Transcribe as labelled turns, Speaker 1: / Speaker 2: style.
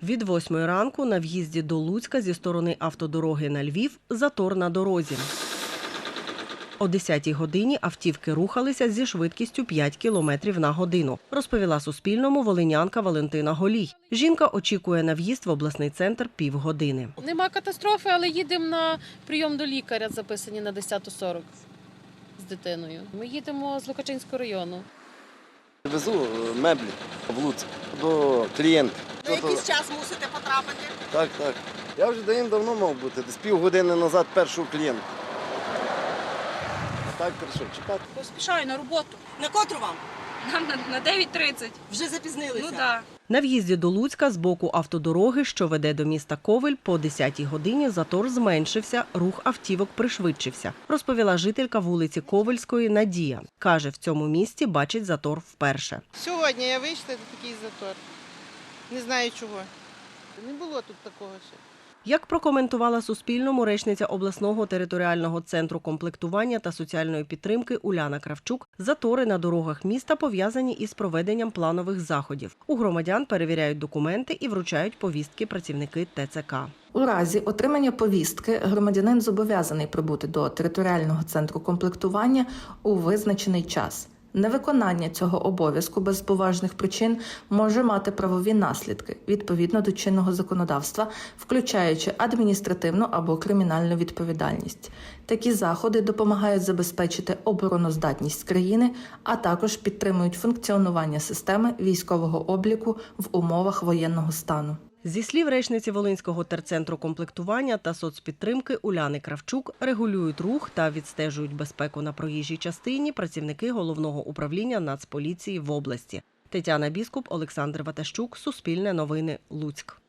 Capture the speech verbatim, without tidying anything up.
Speaker 1: Від восьмої ранку на в'їзді до Луцька зі сторони автодороги на Львів затор на дорозі. О десятій годині автівки рухалися зі швидкістю п'ять кілометрів на годину, розповіла Суспільному волинянка Валентина Голій. Жінка очікує на в'їзд в обласний центр півгодини.
Speaker 2: Нема катастрофи, але їдемо на прийом до лікаря, записані на десяту сорок з дитиною. Ми їдемо з Лукачинського району.
Speaker 3: Везу меблі в Луцьк до клієнтів.
Speaker 4: На якийсь час мусите потрапити?
Speaker 3: Так, так. Я вже давно мав бути, десь півгодини назад першого клієнта. А так прийшов чекати.
Speaker 5: Поспішаю на роботу.
Speaker 4: На котру вам?
Speaker 5: Нам на, на дев'ять тридцять.
Speaker 4: Вже запізнилися?
Speaker 5: Ну так.
Speaker 1: На в'їзді до Луцька з боку автодороги, що веде до міста Ковель, по десятій годині затор зменшився, рух автівок пришвидшився, розповіла жителька вулиці Ковельської Надія. Каже, в цьому місті бачить затор вперше.
Speaker 6: Сьогодні я вийшла, це такий затор. Не знаю чого. Не було тут такого ще.
Speaker 1: Як прокоментувала Суспільному речниця обласного територіального центру комплектування та соціальної підтримки Уляна Кравчук, затори на дорогах міста пов'язані із проведенням планових заходів. У громадян перевіряють документи і вручають повістки працівники Те Це Ка.
Speaker 7: У разі отримання повістки громадянин зобов'язаний прибути до територіального центру комплектування у визначений час. Невиконання цього обов'язку без поважних причин може мати правові наслідки відповідно до чинного законодавства, включаючи адміністративну або кримінальну відповідальність. Такі заходи допомагають забезпечити обороноздатність країни, а також підтримують функціонування системи військового обліку в умовах воєнного стану.
Speaker 1: Зі слів речниці Волинського терцентру комплектування та соцпідтримки Уляни Кравчук, регулюють рух та відстежують безпеку на проїжджій частині працівники Головного управління Нацполіції в області. Тетяна Біскуп, Олександр Ватащук, Суспільне новини, Луцьк.